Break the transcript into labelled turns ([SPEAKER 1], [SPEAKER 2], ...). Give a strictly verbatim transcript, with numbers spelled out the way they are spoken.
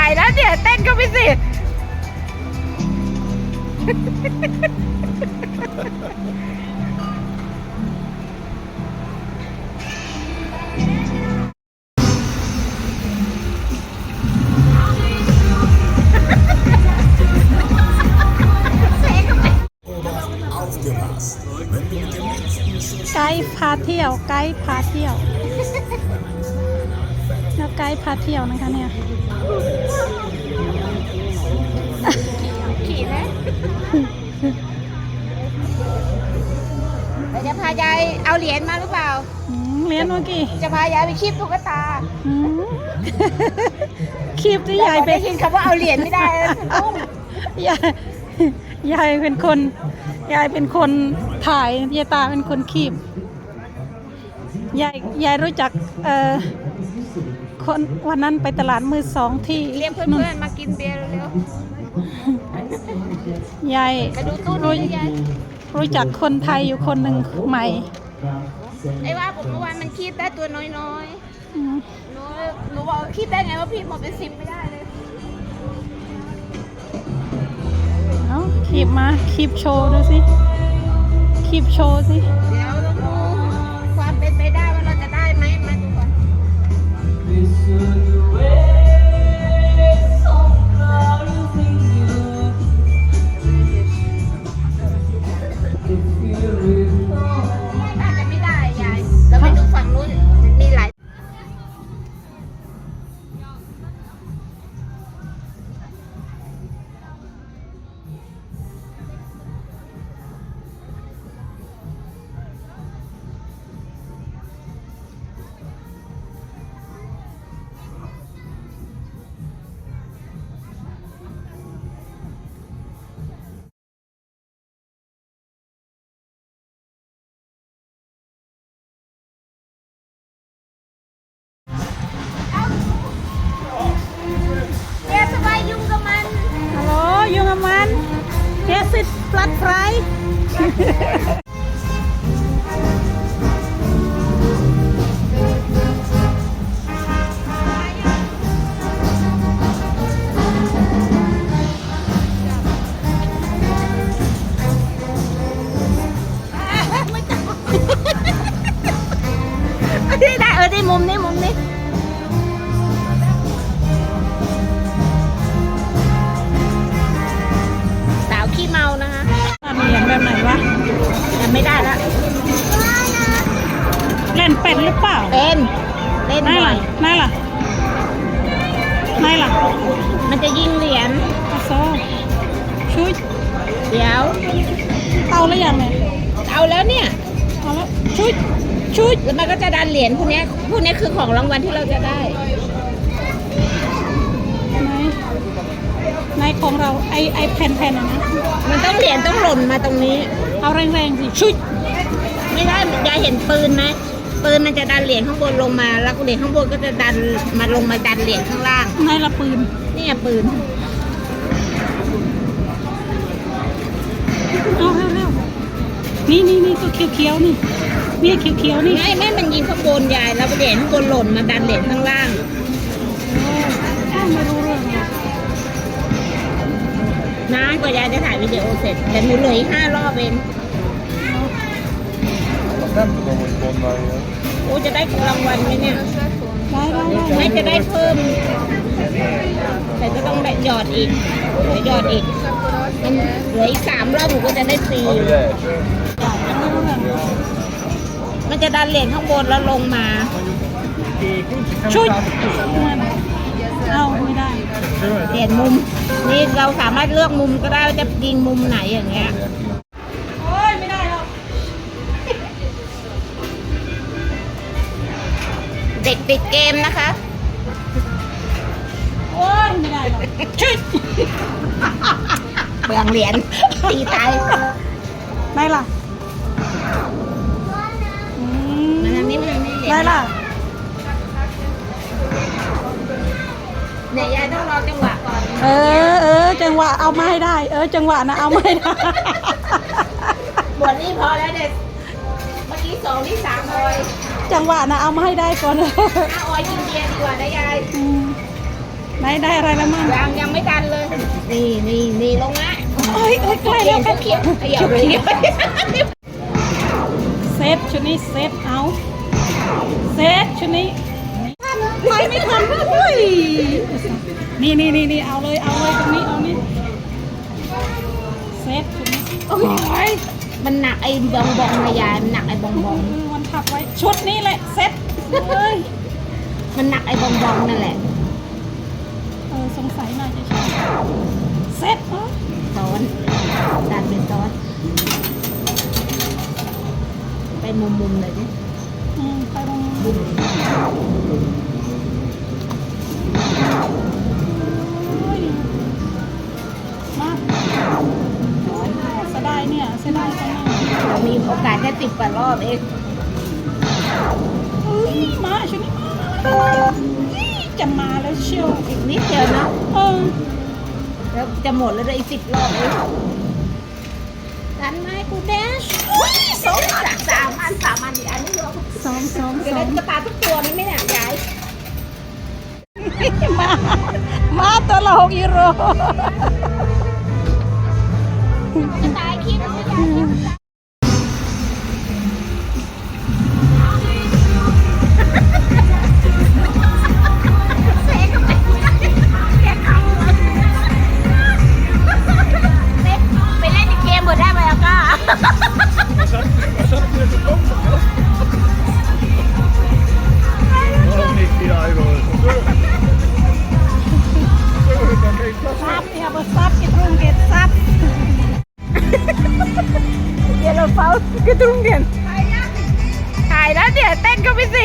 [SPEAKER 1] แล้วเนี่ยเต้นก็ไม่สิ
[SPEAKER 2] ไกด์พาเที่ยวไกด์พาเที่ยวแล้วไกด์พาเที่ยวนะคะเนี่ย
[SPEAKER 1] ขี่ไหมเราจะพายายเอาเหรียญมาหรือเปล่า
[SPEAKER 2] เหรียญเมื่อกี้
[SPEAKER 1] จะพายายไปคีบตุ๊กตา
[SPEAKER 2] คีบที่ยายไป
[SPEAKER 1] ยินคำว่าเอาเหรียญไม่ได้
[SPEAKER 2] ยายยายเป็นคนยายเป็นคนถ่ายยายตาเป็นคนคีบยายยายรู้จักเอ่อคนวันนั้นไปตลาดมือสองที่
[SPEAKER 1] เรียกเพื่อนๆมากินเบียร์เร็
[SPEAKER 2] วยายรู้รู้จักคนไทยอยู่คนหนึ่งใหม่
[SPEAKER 1] ไอ้ว่าผมเมื่อวานมันคีบได้ตัวน้อยๆหนูหนูบอกคีบได้ไงว่าพี่หมดเป็นสิบไม่ได้เลย
[SPEAKER 2] เอาคีบมาคีบโชว์ดูสิคีบโชว์สิ
[SPEAKER 1] เดี๋ยวเราดูความเป็นไปได้ว่าเราจะได้ไหมมาดูก่อนอาจจะไม่ได้ยายเราไปดูฝั่งนู้นมีหลาย
[SPEAKER 2] ฮัลโหลยุงกับมันเฮสิตปลัดไฟ
[SPEAKER 1] ได้ได้เออได้มุมนี้มุมนี้สาวขี้เมานะคะ
[SPEAKER 2] มีอย่างแบบไหนวะ
[SPEAKER 1] ยังไม่ได้ละ
[SPEAKER 2] เล่นเป็นหรือเปล่า
[SPEAKER 1] เป็นเล่นบ่อย
[SPEAKER 2] นั่นล่ะนั่นล่ะ
[SPEAKER 1] มันจะยิงเหรียญ
[SPEAKER 2] โซ่ชุด
[SPEAKER 1] เดี๋ยว
[SPEAKER 2] เอาแล้วยังเนี่ย
[SPEAKER 1] เอาแล้วเนี่ย
[SPEAKER 2] เอาแล้วชุดชุด
[SPEAKER 1] แล้วมันก็จะดันเหรียญพวกนี้พวกนี้คือของรางวัลที่เราจะได้
[SPEAKER 2] ไหนในของเราไอไอแผ่นแผ่นนะ
[SPEAKER 1] มันต้องเหรียญต้องหล่นมาตรงนี้
[SPEAKER 2] เอาแรงๆสิชุด
[SPEAKER 1] ไม่ได้ยายเห็นปืนไหมปืนมันจะดันเหรียญข้างบนลงมาแล้วเหรียญข้างบนก็จะดันมาลงมาดันเหรียญข้างล่าง
[SPEAKER 2] ในละปืน
[SPEAKER 1] นี่ไงปืน
[SPEAKER 2] เอาเร็วๆนี่นี่นี่ตัวเขียวๆนี่นี่เขียวๆนี่
[SPEAKER 1] ไม่แม่มันยิงข้างบนยายแล้วเหรียญข้างบนหล่นมาดันเหรียญข้างล่าง
[SPEAKER 2] ไม่รู้เรื่อง
[SPEAKER 1] นานกว่ายายจะถ่ายวิดีโอเสร็จแต่หนูเหลืออีกห้ารอบเองโอ้จะได้รางวัลไหมเนี่ยไม่จะได้เพิ่มแต่ก็ต้องหยอดอีกหยอดอีกมันเหลืออีกสามรอบหนูก็จะได้ฟรีมันจะดันเหรียญข้างบนแล้วลงมา
[SPEAKER 2] ชุดเอาไม่ได้
[SPEAKER 1] เปลี่ยนมุมนี่เราสามารถเลือกมุมก็ได้ว่าจะยิงมุมไหนอย่างเงี้ย
[SPEAKER 2] โอ้ยไม่ได้หรอก
[SPEAKER 1] เด็กติดเกมนะคะ
[SPEAKER 2] โอ้ยไม่ได้หรอกชุด
[SPEAKER 1] เปลืองเหรียญตีตาย
[SPEAKER 2] ได้ล่ะ
[SPEAKER 1] มันอันนี้มันอันนี้
[SPEAKER 2] ได้ล่ะ
[SPEAKER 1] เนี่ยยายต้องรอจังหวะก่อน
[SPEAKER 2] เออเออจังหวะเอามาให้ได้เออจังหวะนะเอามาให้ได้
[SPEAKER 1] บทนี้พอแล้วเด็กเมื่อกี้สองที่สามออย
[SPEAKER 2] จังหวะนะเอามาให้ได้ก่อน
[SPEAKER 1] เอาออยกินเบียร์ดีกว่านะยาย
[SPEAKER 2] ได้ได้อะไรแล้วมั่ง
[SPEAKER 1] ยังยังไม่ดันเลย นี่นี่นี่ลงละ
[SPEAKER 2] โอ้ยโอ้ยใกล้แล้วครับ
[SPEAKER 1] เขียวเขียวเขียว
[SPEAKER 2] เซตชุดนี้เซตเอาเซตชุดนี้ไปไม่ทันเฮ้ยนี่นี่นี่นี่เอาเลยเอาเลยตรงนี้เอานี่เซตชุดนี้โอ้ย
[SPEAKER 1] มันหนักไอ้บองบองนะยายมันหนักไอ้บองบอง
[SPEAKER 2] มือมันทับไว้ชุดนี้แหละเซตเฮ้ย
[SPEAKER 1] มันหนักไอ้บองบองนั่นแหละ
[SPEAKER 2] เออสงสัยน่าจะใช่เซตเหรอ
[SPEAKER 1] ซ้อนดันเป็นซ้อนไปมุมมุมๆเลยดิ
[SPEAKER 2] อืมไปตรงนี้เฮ้ยมาเสียดายเนี่ยเสียดายจังเลย
[SPEAKER 1] เรามีโอกาสแค่ติดกว่ารอบเอง
[SPEAKER 2] เฮ้ยมาชุดนี้มาเฮ้ยจะมาแล้วเชียว
[SPEAKER 1] อีกนิดเดียวเนาะ
[SPEAKER 2] เออ
[SPEAKER 1] แล้วจะหมดแล้วด้วยอีกสิบรอบเองดันไหมกูแดชสองสามสามอันสามอันอีกอันนี้รวม
[SPEAKER 2] สองสอง
[SPEAKER 1] จะ
[SPEAKER 2] สอ
[SPEAKER 1] ได้
[SPEAKER 2] ง
[SPEAKER 1] ตุ๊กตาทุกตัวนี่ไหมเนี่ยยาย
[SPEAKER 2] มา มาตัวละหกยูโร
[SPEAKER 1] จะตายคลิปไม่ยายคลิปเสกก็เป็นแกเขาไปเล่นในเกมหมดได้ไหมอ่ะก้า
[SPEAKER 3] Waarom niet vier euro?
[SPEAKER 2] ซับเนี่ยบซับกิตรุงเกตซับ
[SPEAKER 1] เดี๋ยวเราเฝ้ากระตุ้งเดียนถ่ายแล้วเดี๋ยวเต้นก็ไม่สิ